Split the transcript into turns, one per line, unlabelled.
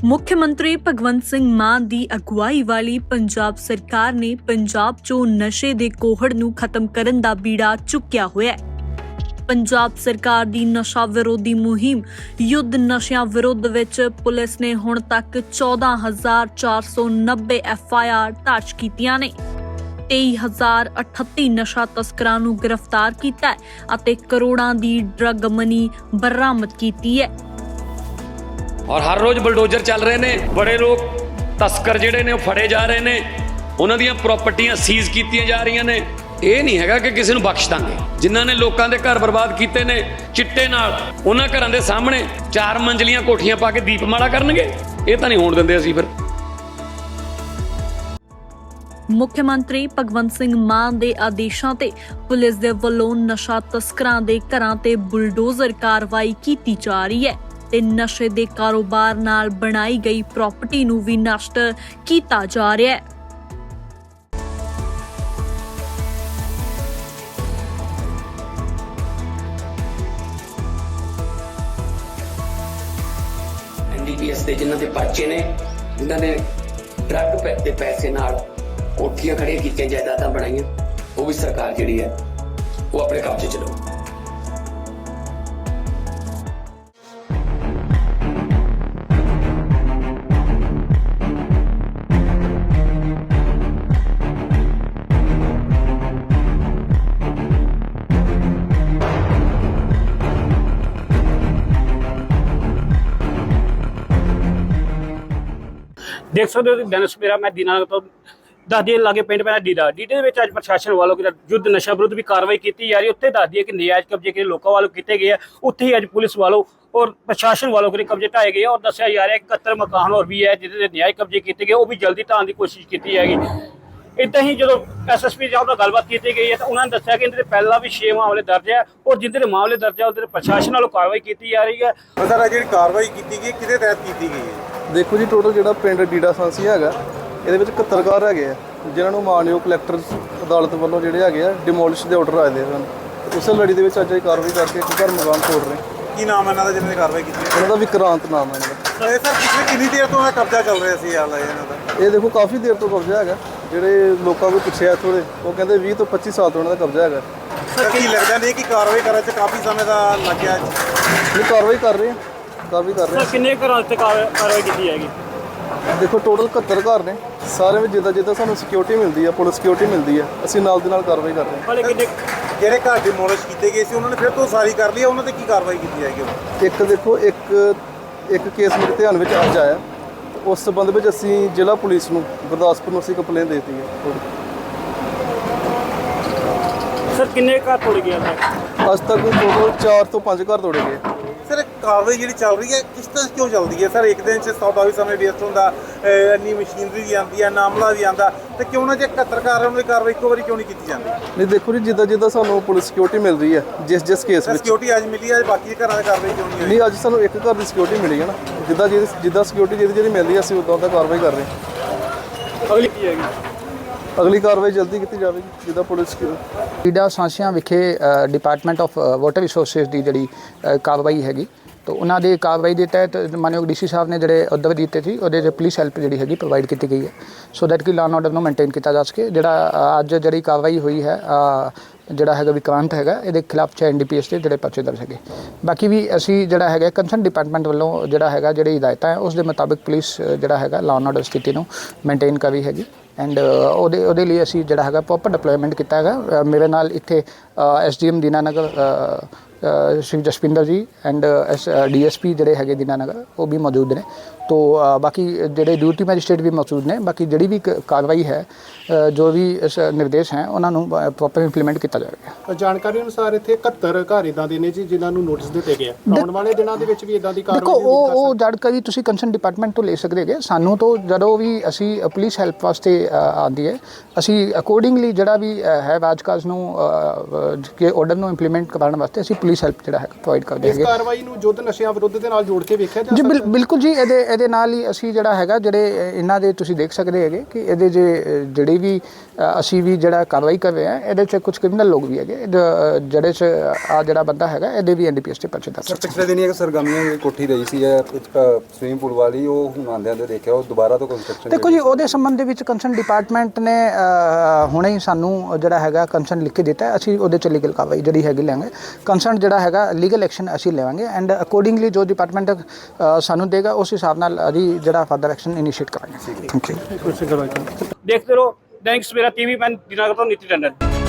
ਮੁੱਖਮੰਤਰੀ ਭਗਵੰਤ ਸਿੰਘ ਮਾਨ ਦੀ ਅਗਵਾਈ ਵਾਲੀ ਪੰਜਾਬ ਸਰਕਾਰ ਨੇ ਪੰਜਾਬ 'ਚੋਂ ਨਸ਼ੇ ਦੇ ਕੋਹੜ ਨੂੰ ਖਤਮ ਕਰਨ ਦਾ ਬੀੜਾ ਚੁੱਕਿਆ ਹੋਇਆ ਹੈ। ਪੰਜਾਬ ਸਰਕਾਰ ਦੀ ਨਸ਼ਾ ਵਿਰੋਧੀ ਮੁਹਿੰਮ ਯੁੱਧ ਨਸ਼ਿਆਂ ਵਿਰੁੱਧ ਵਿੱਚ ਪੁਲਿਸ ਨੇ ਹੁਣ ਤੱਕ 14,490 FIR ਦਰਜ ਕੀਤੀਆਂ ਨੇ। 23,038 ਨਸ਼ਾ ਤਸਕਰਾਂ ਨੂੰ ਗ੍ਰਿਫਤਾਰ ਕੀਤਾ ਹੈ ਅਤੇ ਕਰੋੜਾਂ ਦੀ ਡਰੱਗ ਮਨੀ ਬਰਾਮਦ ਕੀਤੀ ਹੈ।
और हर रोज बुलडोजर चल रहे ने, बड़े लोग तस्कर जिहड़े ने फड़े जा रहे ने, उन्हां दीयां प्रॉपर्टियां सीज कीतियां जा रहीਆਂ ਨੇ। ਇਹ ਨਹੀਂ ਹੈਗਾ ਕਿ ਕਿਸੇ ਨੂੰ ਬਖਸ਼ ਦਾਂਗੇ। ਜਿਨ੍ਹਾਂ ਨੇ ਲੋਕਾਂ ਦੇ ਘਰ ਬਰਬਾਦ ਕੀਤੇ ਨੇ ਚਿੱਟੇ ਨਾਲ, ਉਹਨਾਂ ਘਰਾਂ ਦੇ ਸਾਹਮਣੇ 4 ਮੰਜ਼ਲੀਆਂ ਕੋਠੀਆਂ ਪਾ ਕੇ ਦੀਪਮਾਲਾ ਕਰਨਗੇ। ਇਹ ਤਾਂ ਨਹੀਂ ਹੋਣ ਦਿੰਦੇ ਅਸੀਂ। ਫਿਰ
ਮੁੱਖ ਮੰਤਰੀ ਭਗਵੰਤ ਸਿੰਘ ਮਾਨ ਦੇ ਆਦੇਸ਼ਾਂ ਤੇ ਪੁਲਿਸ ਦੇ ਵੱਲੋਂ ਨਸ਼ਾ ਤਸਕਰਾਂ ਦੇ ਘਰਾਂ ਤੇ ਬੁਲਡੋਜ਼ਰ ਕਾਰਵਾਈ ਕੀਤੀ ਜਾ ਰਹੀ ਹੈ ਤੇ ਨਸ਼ੇ ਦੇ ਕਾਰੋਬਾਰ ਨਾਲ ਬਣਾਈ ਗਈ ਪ੍ਰਾਪਰਟੀ ਨੂੰ ਵੀ ਨਸ਼ਟ ਕੀਤਾ ਜਾ ਰਿਹਾ ਹੈ।
NDPS ਦੇ ਜਿਨ੍ਹਾਂ ਦੇ ਪਰਚੇ ਨੇ, ਜਿਨ੍ਹਾਂ ਨੇ ਡਰੱਗ ਦੇ ਪੈਸੇ ਨਾਲ ਕੋਠੀਆਂ ਖੜੀਆਂ ਕੀਤੀਆਂ, ਜਾਇਦਾਦਾਂ ਬਣਾਈਆਂ, ਉਹ ਵੀ ਸਰਕਾਰ ਜਿਹੜੀ ਹੈ ਉਹ ਆਪਣੇ ਕਬਜ਼ੇ 'ਚ ਲਓ।
देख सकते हो दिन सवेरा मैं दीनानगर तो 10 दिन लागे पिंड पैंदा ਡੀਡੇ ਦੇ ਵਿੱਚ ਅੱਜ ਪ੍ਰਸ਼ਾਸਨ ਵੱਲੋਂ ਯੁੱਧ ਨਸ਼ਾ ਵਿਰੁੱਧ ਵੀ ਕਾਰਵਾਈ ਕੀਤੀ ਜਾ ਰਹੀ। ਉੱਥੇ ਦੱਸ ਦਈਏ ਕਿ ਨਜਾਇਜ਼ ਕਬਜ਼ੇ ਜਿਹੜੇ ਲੋਕਾਂ ਵੱਲੋਂ ਕੀਤੇ ਗਏ ਆ, ਉੱਥੇ ਹੀ ਅੱਜ ਪੁਲਿਸ ਵੱਲੋਂ ਔਰ ਪ੍ਰਸ਼ਾਸਨ ਵੱਲੋਂ ਕਬਜ਼ੇ ਢਾਏ ਗਏ ਔਰ ਦੱਸਿਆ ਜਾ ਰਿਹਾ ਕਿ 71 ਮਕਾਨ ਹੋਰ ਵੀ ਹੈ ਜਿਹਦੇ ਨਜਾਇਜ਼ ਕਬਜ਼ੇ ਕੀਤੇ ਗਏ, ਉਹ ਵੀ ਜਲਦੀ ਢਾਉਣ ਦੀ ਕੋਸ਼ਿਸ਼ ਕੀਤੀ ਜਾਏਗੀ। ਇੱਦਾਂ ਹੀ ਜਦੋਂ SSP ਸਾਹਿਬ ਨਾਲ ਗੱਲਬਾਤ ਕੀਤੀ ਗਈ ਹੈ ਤਾਂ ਉਹਨਾਂ ਨੇ ਦੱਸਿਆ ਕਿ ਇਹਦੇ ਪਹਿਲਾਂ ਵੀ 6 ਮਾਮਲੇ ਦਰਜ ਹੈ ਔਰ ਜਿਨ੍ਹਾਂ ਦੇ ਮਾਮਲੇ ਦਰਜ ਹੈ ਉਹਦੇ ਪ੍ਰਸ਼ਾਸਨ ਵੱਲੋਂ ਕਾਰਵਾਈ ਕੀਤੀ ਜਾ ਰਹੀ ਹੈ।
ਸਰ ਜਿਹੜੀ ਕਾਰਵਾਈ ਕੀਤੀ ਗਈ ਕਿਹਦੇ ਤਹਿਤ ਕੀਤੀ ਗਈ ਹੈ?
ਦੇਖੋ ਜੀ, ਟੋਟਲ ਜਿਹੜਾ ਪਿੰਡ ਡੀਡਾ ਸਾਂਸੀ ਹੈਗਾ, ਇਹਦੇ ਵਿੱਚ 71 ਘਰ ਹੈਗੇ ਆ ਜਿਨ੍ਹਾਂ ਨੂੰ ਮਾਨਯੋਗ ਕਲੈਕਟਰ ਅਦਾਲਤ ਵੱਲੋਂ ਜਿਹੜੇ ਹੈਗੇ ਆ ਡਿਮੋਲਿਸ਼ ਦੇ ਆਰਡਰ ਆਏ ਦੇ ਹਨ। ਉਸੇ ਲੜੀ ਦੇ ਵਿੱਚ ਅੱਜ ਇਹ ਕਾਰਵਾਈ ਕਰਕੇ ਇੱਕ ਘਰ ਮਕਾਨ ਤੋੜ ਰਹੇ।
ਕੀ ਨਾਮ ਹੈ ਇਹਨਾਂ ਦਾ ਜਿਹਨਾਂ ਨੇ ਕਾਰਵਾਈ ਕੀਤੀ?
ਇਹਨਾਂ ਦਾ ਵਿਕਰਾਂਤ ਨਾਮ ਹੈ ਇਹਨਾਂ ਦਾ।
ਇਹ ਸਰ ਪਿਛਲੇ ਕਿੰਨੀ ਦੇਰ ਤੋਂ ਇਹ ਕਬਜ਼ਾ ਚੱਲ ਰਿਹਾ ਸੀ ਇਹਨਾਂ ਦਾ?
ਇਹ ਦੇਖੋ ਕਾਫੀ ਦੇਰ ਤੋਂ ਕਬਜ਼ਾ ਹੈਗਾ। ਜਿਹੜੇ ਲੋਕਾਂ ਕੋਲ ਪੁੱਛਿਆ ਥੋੜੇ, ਉਹ ਕਹਿੰਦੇ 20 ਤੋਂ 25 ਸਾਲ ਤੋਂ ਇਹਨਾਂ ਦਾ ਕਬਜ਼ਾ ਹੈਗਾ।
ਸਰ ਕੀ ਲੱਗਦਾ ਨਹੀਂ ਕਿ ਕਾਰਵਾਈ ਕਰਨ 'ਚ ਕਾਫੀ ਸਮੇਂ ਦਾ ਲੱਗਿਆ?
ਇਹ ਕਾਰਵਾਈ ਕਰ ਰਹੇ ਆ, ਕਾਰਵਾਈ ਕਰ ਰਹੇ ਆ।
ਕਿੰਨੇ ਘਰਾਂ ਤੇ ਕਾਰਵਾਈ ਕੀਤੀ ਜਾਏਗੀ?
ਦੇਖੋ ਟੋਟਲ 71 ਘਰ ਨੇ, ਸਾਰੇ ਵਿੱਚ ਜਿੱਦਾਂ ਸਾਨੂੰ ਸਿਕਿਉਰਿਟੀ ਮਿਲਦੀ ਆ, ਪੁਲਿਸ ਸਿਕਿਉਰਿਟੀ ਮਿਲਦੀ ਆ, ਅਸੀਂ ਨਾਲ ਦੀ ਨਾਲ ਕਾਰਵਾਈ ਕਰ ਰਹੇ ਹਾਂ।
ਜਿਹੜੇ ਘਰ ਡਿਮੋਲਿਸ਼ ਕੀਤੇ ਗਏ ਸੀ ਉਹਨਾਂ ਨੇ ਫਿਰ ਤੋਂ ਸਾਰੀ ਕਰ ਲਈ, ਉਹਨਾਂ ਤੇ ਕੀ ਕਾਰਵਾਈ ਕੀਤੀ ਜਾਏਗੀ?
ਇੱਕ ਦੇਖੋ ਇੱਕ ਕੇਸ ਮੇਰੇ ਧਿਆਨ ਵਿੱਚ ਅੱਜ ਆਇਆ, ਉਸ ਸੰਬੰਧ ਵਿੱਚ ਅਸੀਂ ਜ਼ਿਲ੍ਹਾ ਪੁਲਿਸ ਨੂੰ ਗੁਰਦਾਸਪੁਰ ਨੂੰ ਅਸੀਂ ਕੰਪਲੇਂਟ ਦੇ ਦਿੱਤੀ ਹੈ।
ਸਰ ਕਿੰਨੇ ਘਰ ਤੋੜੇ ਗਏ
ਅੱਜ ਤੱਕ ਟੋਟਲ 4 ਤੋਂ 5 ਘਰ ਤੋੜੇ ਗਏ।
ਸਰ ਕਾਰਵਾਈ ਜਿਹੜੀ ਚੱਲ ਰਹੀ ਹੈ ਕਿਸ ਤਰ੍ਹਾਂ ਕਿਉਂ ਚੱਲਦੀ ਹੈ? ਸਰ ਇੱਕ ਦਿਨ 'ਚ 100 ਵੀ ਸਮੇਂ ਵੇਸਟ ਹੁੰਦਾ, ਇੰਨੀ ਮਸ਼ੀਨਰੀ ਵੀ ਆਉਂਦੀ ਹੈ, ਨਾਮਲਾ ਵੀ ਆਉਂਦਾ, ਤੇ ਕਿਉਂ ਨਾ ਜੇ 71 ਘਰ ਉਹਨਾਂ ਦੀ ਕਾਰਵਾਈ ਇੱਕੋ ਵਾਰੀ ਕਿਉਂ ਨਹੀਂ ਕੀਤੀ ਜਾਂਦੀ?
ਨਹੀਂ ਦੇਖੋ ਜੀ, ਜਿੱਦਾਂ ਸਾਨੂੰ ਪੁਲਿਸ ਸਿਕਿਉਰਿਟੀ ਮਿਲ ਰਹੀ ਹੈ, ਜਿਸ ਕੇਸ ਵਿੱਚ
ਸਿਕਿਉਰਿਟੀ ਅੱਜ ਮਿਲੀ ਹੈ, ਬਾਕੀ ਘਰਾਂ ਦੀ ਕਾਰਵਾਈ ਕਿਉਂ ਨਹੀਂ ਹੋਈ?
ਨਹੀਂ, ਅੱਜ ਸਾਨੂੰ ਇੱਕ ਘਰ ਦੀ ਸਿਕਿਉਰਿਟੀ ਮਿਲੀ ਹੈ ਨਾ। ਜਿੱਦਾਂ ਸਿਕਿਉਰਿਟੀ ਜਿਹੜੀ ਮਿਲਦੀ ਹੈ ਅਸੀਂ ਉਦਾਂ ਦਾ ਕਾਰਵਾਈ ਕਰ ਰਹੇ ਹਾਂ।
ਅਗਲੀ ਕੀ ਹੈਗੀ?
ਅਗਲੀ ਕਾਰਵਾਈ ਜਲਦੀ ਕੀਤੀ ਜਾਵੇਗੀ ਜਿੱਦਾਂ ਪੁਲਿਸ
ਡੀਡਾ ਸਾਂਸੀਆਂ ਵਿਖੇ ਡਿਪਾਰਟਮੈਂਟ ਆਫ ਵਾਟਰ ਰਿਸੋਰਸਿਸ ਦੀ ਜਿਹੜੀ ਕਾਰਵਾਈ ਹੈਗੀ, ਤਾਂ ਉਹਨਾਂ ਦੀ ਕਾਰਵਾਈ ਦੇ ਤਹਿਤ ਮਾਨਯੋਗ DC ਸਾਹਿਬ ਨੇ ਜਿਹੜੇ ਅਹੁਦੇ ਦਿੱਤੇ ਸੀ, ਉਹਦੇ 'ਚ ਪੁਲਿਸ ਹੈਲਪ ਜਿਹੜੀ ਹੈਗੀ ਪ੍ਰੋਵਾਈਡ ਕੀਤੀ ਗਈ ਹੈ ਸੋ ਦੈਟ ਕਿ ਲਾਅ ਐਂਡ ਆਰਡਰ ਨੂੰ ਮੇਨਟੇਨ ਕੀਤਾ ਜਾ ਸਕੇ। ਜਿਹੜਾ ਅੱਜ ਜਿਹੜੀ ਕਾਰਵਾਈ ਹੋਈ ਹੈ, ਜਿਹੜਾ ਹੈਗਾ ਵਿਕਰਾਂਤ ਹੈਗਾ, ਇਹਦੇ ਖਿਲਾਫ 6 NDPS ਦੇ ਜਿਹੜੇ ਪਰਚੇ ਦਰਜ ਹੈਗੇ। ਬਾਕੀ ਵੀ ਅਸੀਂ ਜਿਹੜਾ ਹੈਗਾ ਕੰਸਰਨ ਡਿਪਾਰਟਮੈਂਟ ਵੱਲੋਂ ਜਿਹੜਾ ਹੈਗਾ ਜਿਹੜੀ ਹਦਾਇਤਾਂ ਹੈ ਉਸ ਦੇ ਮੁਤਾਬਿਕ ਪੁਲਿਸ ਜਿਹੜਾ ਹੈਗਾ ਲਾਅ ਐਂਡ ਆਰਡਰ ਸਥਿਤੀ ਨੂੰ ਮੇਨਟੇਨ ਕਰ ਰਹੀ ਹੈਗੀ ਐਂਡ ਉਹਦੇ ਲਈ ਅਸੀਂ ਜਿਹੜਾ ਹੈਗਾ ਪ੍ਰੋਪਰ ਡਿਪਲੋਇਮੈਂਟ ਕੀਤਾ ਹੈਗਾ। ਮੇਰੇ ਨਾਲ ਇੱਥੇ SDM ਦੀਨਾਨਗਰ ਸ਼੍ਰੀ ਜਸਪਿੰਦਰ ਜੀ ਐਂਡ DSP ਜਿਹੜੇ ਹੈਗੇ ਦੀਨਾਨਗਰ ਉਹ ਵੀ ਮੌਜੂਦ ਨੇ। तो बाकी ਜਿਹੜੇ ਡਿਊਟੀ ਮੈਜਿਸਟ੍ਰੇਟ ਵੀ ਮੌਜੂਦ ਨੇ। ਬਾਕੀ ਜਿਹੜੀ ਵੀ ਕਾਰਵਾਈ ਹੈ, ਜੋ ਵੀ ਨਿਰਦੇਸ਼ ਹੈ, ਉਹਨਾਂ ਨੂੰ ਪ੍ਰੋਪਰ ਇੰਪਲੀਮੈਂਟ ਕੀਤਾ ਜਾਵੇਗਾ।
ਜਾਣਕਾਰੀ ਅਨੁਸਾਰ ਇੱਥੇ 71 ਘਰ ਇੱਦਾਂ ਦੇ ਨੇ ਜੀ ਜਿਨ੍ਹਾਂ ਨੂੰ ਨੋਟਿਸ ਦਿੱਤੇ ਗਏ ਆ। ਆਉਣ ਵਾਲੇ ਦਿਨਾਂ ਦੇ ਵਿੱਚ ਵੀ ਇੱਦਾਂ ਦੀ ਕਾਰਵਾਈ
ਦੇਖੋ ਉਹ ਜਾਣਕਾਰੀ ਤੁਸੀਂ ਕੰਸਰਨ ਡਿਪਾਰਟਮੈਂਟ ਤੋਂ ਲੈ ਸਕਦੇ ਹੈਗੇ। ਸਾਨੂੰ ਤੋਂ ਜਦੋਂ ਵੀ ਅਸੀਂ ਪੁਲਿਸ ਹੈਲਪ ਵਾਸਤੇ ਆਉਂਦੀ ਹੈ, ਅਸੀਂ ਅਕੋਰਡਿੰਗਲੀ ਜਿਹੜਾ ਵੀ ਹੈ ਰਾਜਕਾਜ ਨੂੰ ਕਿ ਆਰਡਰ ਨੂੰ ਇੰਪਲੀਮੈਂਟ ਕਰਨ ਵਾਸਤੇ ਅਸੀਂ ਪੁਲਿਸ ਪੁਲਿਸ ਹੈਲਪ ਜਿਹੜਾ ਹੈ ਪ੍ਰੋਵਾਈਡ ਕਰਦੇ
ਇਸ
ਹੈਗੇ।
ਕਾਰਵਾਈ ਨੂੰ ਯੁੱਧ ਨਸ਼ਿਆਂ ਵਿਰੁੱਧ ਦੇ ਨਾਲ ਜੋੜ ਕੇ ਵੇਖਿਆ ਜਾ
ਜੀ
ਸਕਦਾ
ਬਿਲਕੁਲ ਜੀ, ਇਹਦੇ ਨਾਲ ਹੀ ਅਸੀਂ ਜਿਹੜਾ ਹੈਗਾ ਜਿਹੜੇ ਇਹਨਾਂ ਦੇ ਤੁਸੀਂ ਦੇਖ ਸਕਦੇ ਹੈਗੇ ਕਿ ਇਹਦੇ ਜਿਹੜੇ ਵੀ ਅਸੀਂ ਵੀ ਜਿਹੜਾ ਕਾਰਵਾਈ ਕਰ ਰਹੇ ਹਾਂ ਇਹਦੇ 'ਚ ਕੁਝ ਕ੍ਰਿਮੀਨਲ ਲੋਕ ਵੀ ਹੈਗੇ ਜਿਹੜੇ 'ਚ ਆ ਜਿਹੜਾ ਬੰਦਾ ਹੈਗਾ ਇਹਦੇ ਵੀ NDPS ਤੇ ਪਰਚੇ ਦਰਜ।
ਪਿਛਲੇ ਦਿਨੀ ਇੱਕ ਸਰਗਰਮੀਆਂ ਦੀ ਕੋਠੀ ਰਹੀ ਸੀ ਸਵਿਮਿੰਗ ਪੂਲ ਵਾਲੀ, ਉਹ ਹੁਣ ਆਉਂਦਿਆਂ ਦੇ ਦੇਖਿਆ ਉਹ ਦੁਬਾਰਾ ਤੋਂ ਕੰਸਟਰਕਸ਼ਨ
ਦੇਖੋ ਜੀ, ਉਹਦੇ ਸੰਬੰਧ ਦੇ ਵਿੱਚ ਕੰਸਰਨ ਡਿਪਾਰਟਮੈਂਟ ਨੇ ਹੁਣੇ ਹੀ ਸਾਨੂੰ ਜਿਹੜਾ ਹੈਗਾ ਕੰਸਰਨ ਲਿਖ ਕੇ ਦਿੱਤਾ ਹੈ। ਅਸੀਂ ਉਹਦੇ 'ਚ ਲੀਗਲ ਕਾਰਵਾਈ ਜਿਹੜੀ ਹੈਗੀ ਲਾਂਗੇ। ਕੰਸਰਨ ਜਿਹੜਾ ਹੈਗਾ ਲੀਗਲ ਐਕਸ਼ਨ ਅਸੀਂ ਲਵਾਂਗੇ ਐਂਡ ਅਕੋਰਡਿੰਗਲੀ ਜੋ ਡਿਪਾਰਟਮੈਂਟ ਸਾਨੂੰ ਦੇਗਾ ਉਸ ਹਿਸਾਬ ਨਾਲ ਅਸੀਂ ਜਿਹੜਾ ਫਰਦਰ ਐਕਸ਼ਨ ਇਨੀਸ਼ੀਏਟ ਕਰਾਂਗੇ। Thank you.
ਦੇਖਦੇ ਰਹੋ ਦੈਨਿਕ ਸਵੇਰਾ TV, ਮੈਂ ਦੀਨਾਨਗਰ ਤੋਂ ਨੀਤੀ ਟੰਡਨ।